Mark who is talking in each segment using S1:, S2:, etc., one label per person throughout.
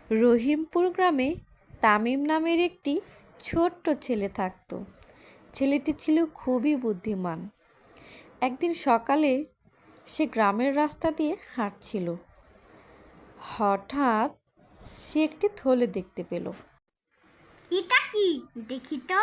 S1: রহিমপুর গ্রামে তামিম নামের একটি ছোট্ট ছেলে থাকত। ছেলেটি ছিল খুবই বুদ্ধিমান। একদিন সকালে সে গ্রামের রাস্তা দিয়ে হাঁটছিল। হঠাৎ সে একটি থলে দেখতে পেল।
S2: এটা কি দেখি তো।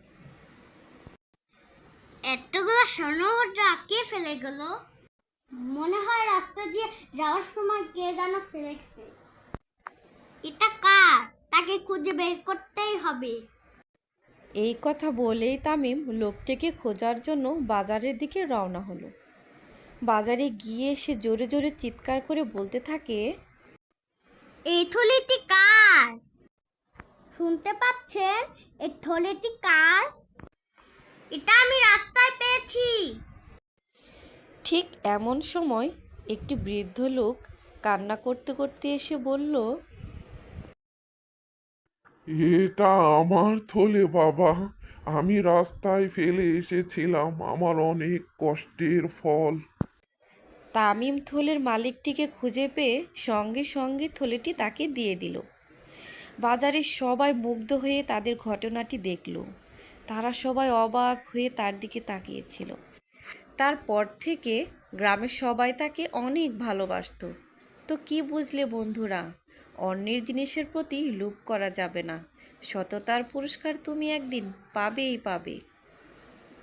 S2: এতগুলো স্বর্ণমুদ্রা কে ফেলে গেল? মনে হয় রাস্তা দিয়ে যাওয়ার সময় কে যেন ফেলেছে। এটা কার? তাকে খুঁজে বের করতেই হবে।
S1: এই কথা বলেই তামিম লোকটিকে খোঁজার জন্য বাজারের দিকে রওনা হলো। বাজারে গিয়ে সে জোরে জোরে চিৎকার করে বলতে থাকে,
S2: এই থলিটি কার? শুনতে পাচ্ছেন? এই থলিটি কার? এটা আমি রাস্তায় পেয়েছি।
S1: ঠিক এমন সময় একটি বৃদ্ধ লোক কান্না করতে করতে এসে বলল,
S3: এটা আমার থলে বাবা। আমি রাস্তায় ফেলে এসেছিলাম আমার অনেক কষ্টের ফল।
S1: তামিম থলের মালিকটিকে খুঁজে পেয়ে সঙ্গে সঙ্গে থলেটি তাকে দিয়ে দিল। বাজারের সবাই মুগ্ধ হয়ে তাদের ঘটনাটি দেখল। তারা সবাই অবাক হয়ে তার দিকে তাকিয়েছিল। তারপর থেকে গ্রামের সবাই তাকে অনেক ভালোবাসতো। তো কি বুঝলে বন্ধুরা, অন্যের জিনিসের প্রতি লোভ করা যাবে না। সততার পুরস্কার তুমি একদিন পাবেই পাবে।